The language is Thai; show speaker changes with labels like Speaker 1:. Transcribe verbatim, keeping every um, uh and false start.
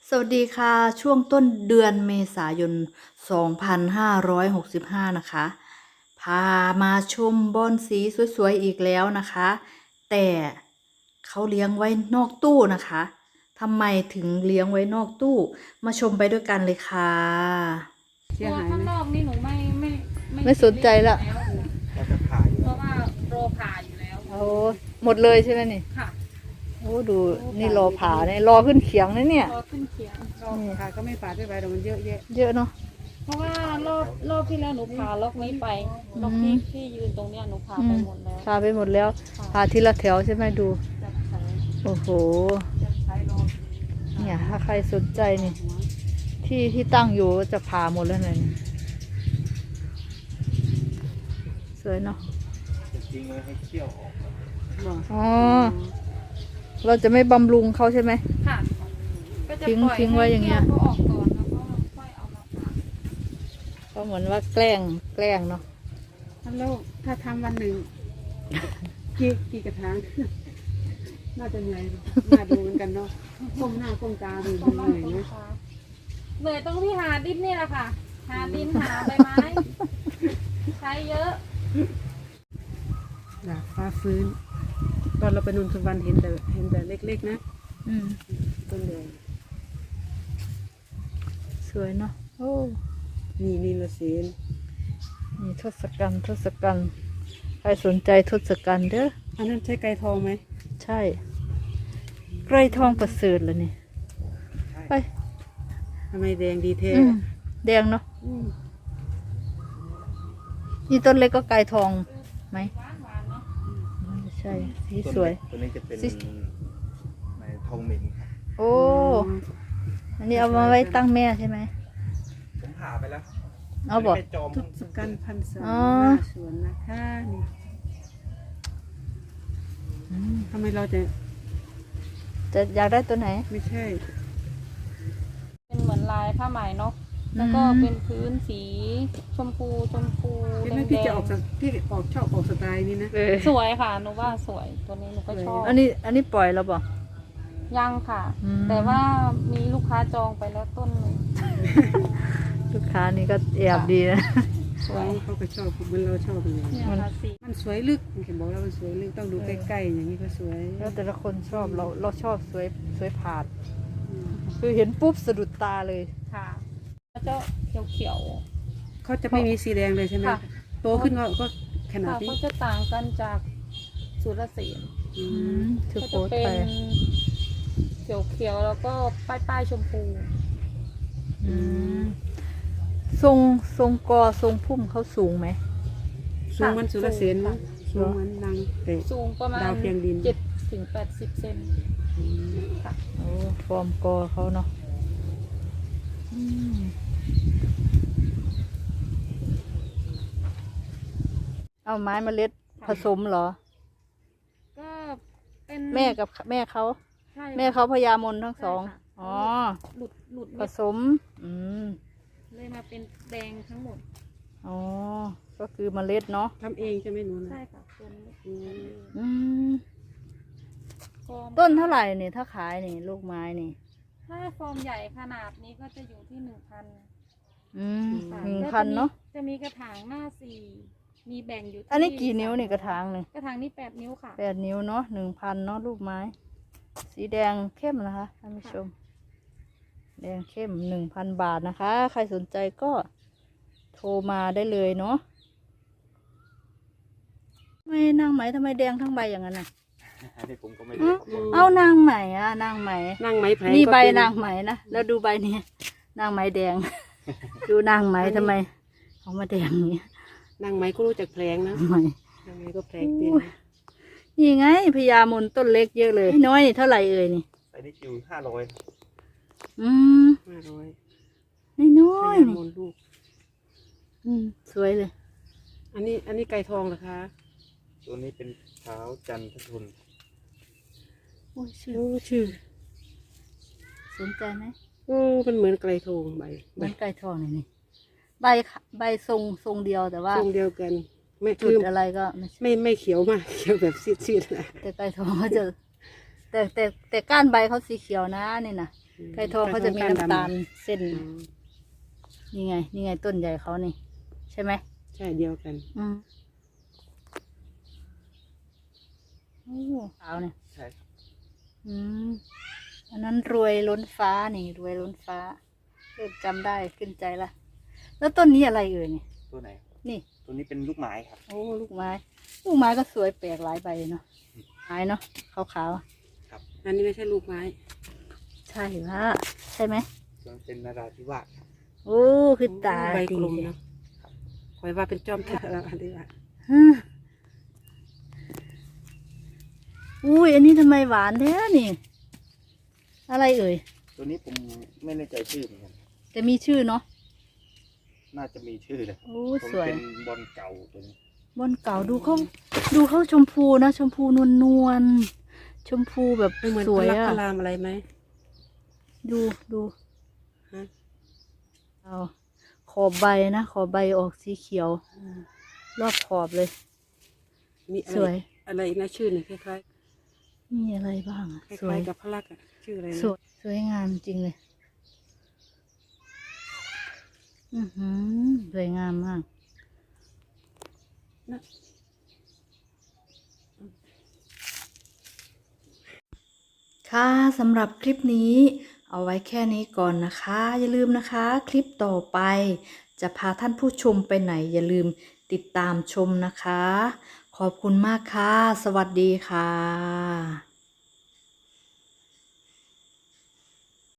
Speaker 1: สวัสดีค่ะช่วงต้นเดือนเมษายน สองพันห้าร้อยหกสิบห้า นะคะพามาชมบอนสีสวยๆอีกแล้วนะคะ แต่เขาเลี้ยงไว้นอกตู้นะคะทำไมถึงเลี้ยงไว้นอกตู้มาชมไปด้วยกันเลยค่ะ
Speaker 2: เสียหายข้างนอกนี่หนูไม่ไม่
Speaker 1: ไม่สนใจละ
Speaker 2: แล้วจะผ่าอยู่เพราะว่าโรผ่าอยู่แล้ว
Speaker 1: โอ้หมดเลยใช่ไหมนี่
Speaker 2: ค่ะ
Speaker 1: โอ้ดูนี่รอผ่าเนี่ยรอขึ้นเขียงนะเนี่ย
Speaker 2: รอขึ้นเขียงรอผ่าก็ไม่ผ่าด้วยใบแต่มันเยอะแยะ
Speaker 1: เยอะเนาะ
Speaker 2: เพราะว่ารอบรอบที่แล้วหนูผ่าล็อกนี้ไปล็อกที่ที่ยืนตรงเนี้ยหนูผ่าไปหมดแล้ว
Speaker 1: ผ่าไปหมดแล้วผ่าทีละแถวใช่ไหมดู
Speaker 2: จะใช้
Speaker 1: โอ้โห
Speaker 2: จะใช้รอ
Speaker 1: เนี่ยถ้าใครสนใจนี่ที่ที่ตั้งอยู่จะผ่าหมดแล้วเลยสวยเนาะ
Speaker 3: จริงเลยให้เคี่ยวออก
Speaker 1: อ๋อเราจะไม่บำรุงเขาใช่ไหม
Speaker 2: ค่ะก็จะ
Speaker 1: ทิ้ง
Speaker 2: ปล่อย
Speaker 1: ทิ้งไว้อย่างเงี้ย
Speaker 2: ให้เขาออกก่อนแล้วก็ค่อยเอามาผ่า
Speaker 1: ก็เหมือนว่าแกล้งแกล้งเนาะ
Speaker 2: ฮัลโหลถ้าทำวันหนึ่งกี่กี่กระถางน่าจะเหนื่อยน่าดูเหมือนกันเนาะก้มหน้าก้มตาดูเหนื่อยนะเหนื่อยตรงที่หาดินนี่แหละค่ะหาดินหาใบไม้ใช้เยอะดาบฟ้าฟื้นตอนเราไปนนทวันเห็นแต่เห็นแต่เล็กๆนะ
Speaker 1: อืม
Speaker 2: ต้นใหญ่
Speaker 1: สวยเนาะโอ้
Speaker 2: นี่นี่ละเสียน
Speaker 1: นี่ทศกัณฐ์ทศกัณฐ์ใครสนใจทศกัณฐ์เด้อ
Speaker 2: อันนั้นใช่ไก่ทองไหม
Speaker 1: ใช่ไกรทองประเสริฐเลยนี่ไป
Speaker 2: ทำไมแดงดีเท
Speaker 1: แดงเนาะนี่ต้นเล็กก็ไกรทองไหมใช่สีสวย
Speaker 3: ตัวนี้จะเป็นในทองหมิงครับ
Speaker 1: โอ้อันนี้เอามาไว้ตั้งแม่ใช่ไหม
Speaker 3: ผมผ่าไปแล้ว
Speaker 1: เอาบอก
Speaker 2: ทุกสกันพันสาสวนนะคะนี่ทำไมเราจะ
Speaker 1: จะอยากได้ตัวไหน
Speaker 2: ไม่ใช่เป็นเหมือนลายผ้าไหมเนาะแล้วก็เป็นพื้นสีชมพูชมพูแดงพี่จะออกจากพี่ออกชอบออกสไตล์นี้นะสวยค่ะหนูว่าสวยตัวนี้หนูก็ชอบ
Speaker 1: อันนี้อันนี้ปล่อยแล้วบอก
Speaker 2: ยังค่ะแต่ว่ามีลูกค้าจองไปแล้วต้นนึง
Speaker 1: ลูกค้านี่ก็แอบดีนะ
Speaker 2: สวยเขาก็ชอบเหมือนเราชอบเลยมันสวยลึกเห็นบอกแล้วมันสวยลึกต้องดูใกล้ๆอย่างนี้ก็สวย
Speaker 1: แล้วแต่ละคนชอบเราเราชอบสวยสวยผาดคือเห็นปุ๊บสะดุดตาเลย
Speaker 2: ค่ะเขาจะเขียวๆเขาจะไม่มีสีแดงเลยใช่ไหมโตขึ้นก็ก็ขนาดนี้เขาจะต่างกันจากสุรเสียน
Speaker 1: คือ
Speaker 2: จะเป็นเขียวๆแล้วก็ป้ายป้ายชมพู
Speaker 1: ทรงทรงกอทรงพุ่มเขาสูงไหม
Speaker 2: สูงมันสุรเสียนมั้งสูงมันดังสูงประมาณดาวเพียงดินเจ็ดถึงแปดสิบเซนค่ะ
Speaker 1: โอ้ฟอร์มกอเขาเนาะเอาไม้เมล็ดผสมเหรอ
Speaker 2: ก็เป็น
Speaker 1: แม่กับแม่เขาแม่เขาพญามนทั้งสองอ๋อ
Speaker 2: หลุดหลุด
Speaker 1: ผสมอืม
Speaker 2: เลยมาเป็นแดงทั้งหมด
Speaker 1: อ๋อก็คือเมล็ดเนาะ
Speaker 2: ทำเองใช่ไหมหนูใช่ค่ะต้น
Speaker 1: อืมต้นเท่าไหร่เนี่ยถ้าขายนี่ลูกไม้นี่
Speaker 2: ถ้าฟอร์มใหญ่ขนาดนี้ก็จะอยู่ที่หนึ่งพัน
Speaker 1: อืมหนึ่งพันเนาะ
Speaker 2: จะมีกระถางหน้าสี่มีแบ่งอยู่
Speaker 1: อันนี้กี่นิ้วนี่กระถางหนึ่ง
Speaker 2: กระถางนี่แปดนิ้วค่ะ
Speaker 1: แปดนิ้วเนาะหนึ่งพันเนาะลูกไม้สีแดงเข้มนะคะท่านผู้ชมแดงเข้มหนึ่งพันบาทนะคะใครสนใจก็โทรมาได้เลยเนาะไม่นางไหมทำไมแดงทั้งใบอย่างนั้นน่ะ
Speaker 3: ผมก็ไม่รู้
Speaker 1: เอานางไหมอ่ะนางไหม
Speaker 2: นางไหมแพง
Speaker 1: นี่ใบนางไหมนะแล้วดูใบนี้นางไหมแดงดูนางไหมทำไมเขามาแดงอย่างนี้
Speaker 2: นางไหมก็รู้จักแพงนะ
Speaker 1: ไหม
Speaker 2: นางไหมก็แพงเป็น
Speaker 1: นี่ไงพญามนต้นเล็กเยอะเลยน้อยนี่เท่าไหร่เอ่ยนี่
Speaker 3: ไอ้นี่อยู่ห้าร้อย
Speaker 1: อืม
Speaker 2: ห้าร้อย
Speaker 1: น้อยน้อยนี่
Speaker 2: ลูก
Speaker 1: อืมสวยเลย
Speaker 2: อันนี้อันนี้ไก่ทองเหรอคะ
Speaker 3: ตัวนี้เป็นเท้าจันททุน
Speaker 1: โอ้ชื่อชื่อสนใจไหม
Speaker 2: โอ้มันเหมือนไก่ทองใบ
Speaker 1: เหมือนไก่ทองเลยนี่ใบใบทรงทรงเดียวแต่ว่า
Speaker 2: ทรงเดียวกันไม่
Speaker 1: จุดอะไรก็
Speaker 2: ไม่ไม่เขียวมากเขียวแบบซีดๆนะ
Speaker 1: แต่ไก่ทองเขาจะแต่แต่แต่ก้านใบเขาสีเขียวนะนี่นะไก่ทองเขาจะมีน้ำตาลเส้น
Speaker 2: อ๋อ
Speaker 1: นี่ไง นี่ไงต้นใหญ่เขานี่ ใช่ไหม
Speaker 2: ใช่เดียวกัน
Speaker 1: อืมโอ้ขาวเนี่ย
Speaker 3: ใช่ครับ
Speaker 1: อืมอันนั้นรวยล้นฟ้านี่ รวยล้นฟ้าเริ่มจำได้ขึ้นใจละ แล้วต้นนี้อะไรเอ่ยนี่
Speaker 3: ตัวไหน
Speaker 1: นี่
Speaker 3: ตัวนี้เป็นลูกไม้ครับ
Speaker 1: โอ้ลูกไม้ ลูกไม้ก็สวยแปลกหลายใบเนาะไม้เนาะขาว
Speaker 2: อันนี้ไม่ใช่ลูกไม้
Speaker 1: ๆใช่ละใช่ไหม
Speaker 3: ตัวนั้นเป็นนาราธิวาสครับ
Speaker 1: โอ้คือตา
Speaker 2: ใบ
Speaker 1: ดี
Speaker 2: กลมเนาะคอยว่าเป็นจอมทัพแล้วอันนี้ว่า
Speaker 1: ฮึอุ้ยอันนี้ทำไมหวานแท้นี่ อะไรเอ่ย
Speaker 3: ตัวนี้ผมไม่แน่ใจชื่อเหมือนกัน
Speaker 1: แต่มีชื่อเนาะ
Speaker 3: น่าจะมีชื่อเลย
Speaker 1: โอ้
Speaker 3: ผม
Speaker 1: สวย
Speaker 3: เป็นบอลเก่าตัวนี้
Speaker 1: บอนเก่าดูเขาดูเขาชมพูนะชมพูนวลนวลๆชมพูแบบ
Speaker 2: ไม่เหมือน
Speaker 1: สวย
Speaker 2: พลัก
Speaker 1: อะ
Speaker 2: พลามอะไรไหม
Speaker 1: ดูดู
Speaker 2: ฮะ
Speaker 1: เอาขอบใบนะขอบใบออกสีเขียว รอบขอบเลย
Speaker 2: มีอะ
Speaker 1: ส
Speaker 2: ไร
Speaker 1: วย
Speaker 2: อะไรอีกนะชื่อหนึ่งคล้าย
Speaker 1: มีอะไรบ้างอะ
Speaker 2: ๆค
Speaker 1: สว
Speaker 2: ล้าย ยๆกับพลักอะชื่ออะไร
Speaker 1: ส
Speaker 2: นะ
Speaker 1: วยสวยงามจริงเลย อือหือสวยงามมาก
Speaker 2: นะ
Speaker 1: ค่ะสำหรับคลิปนี้เอาไว้แค่นี้ก่อนนะคะ อย่าลืมนะคะ คลิปต่อไป จะพาท่านผู้ชมไปไหน อย่าลืมติดตามชมนะคะ ขอบคุณมากค่ะ สวัสดีค่ะ